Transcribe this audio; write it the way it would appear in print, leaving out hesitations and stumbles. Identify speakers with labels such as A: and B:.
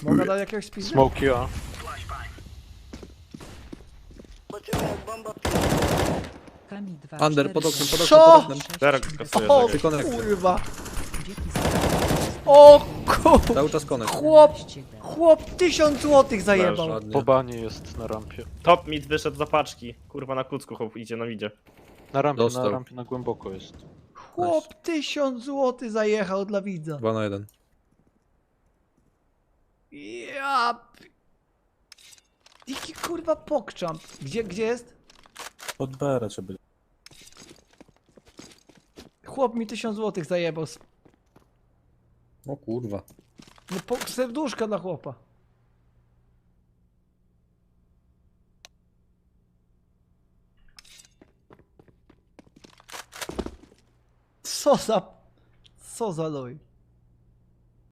A: Mogę dać jakiegoś spizdu?
B: Smoki A.
C: Kami 2,
D: Under, pod oknem, pod oknem,
A: Co?
D: pod oknem.
E: Derek kasuje.
A: O
E: czekaj.
A: kurwa! O kurwa!
D: Cały czas konek.
A: Chłop 1000 złotych zajebał.
D: Ładnie.
B: Po banie jest na rampie.
E: Top mid wyszedł za paczki. Kurwa na kucku chłop idzie, no idzie.
B: Na rampie na głęboko jest.
A: Chłop 1000 złotych zajechał dla widza.
D: 2 na 1.
A: Ja... Jaki kurwa pokczamp. Gdzie jest?
F: Pod B raczej będzie.
A: Chłop mi 1000 złotych zajebał.
D: O kurwa.
A: No serduszka dla chłopa. Co za... Co za loj.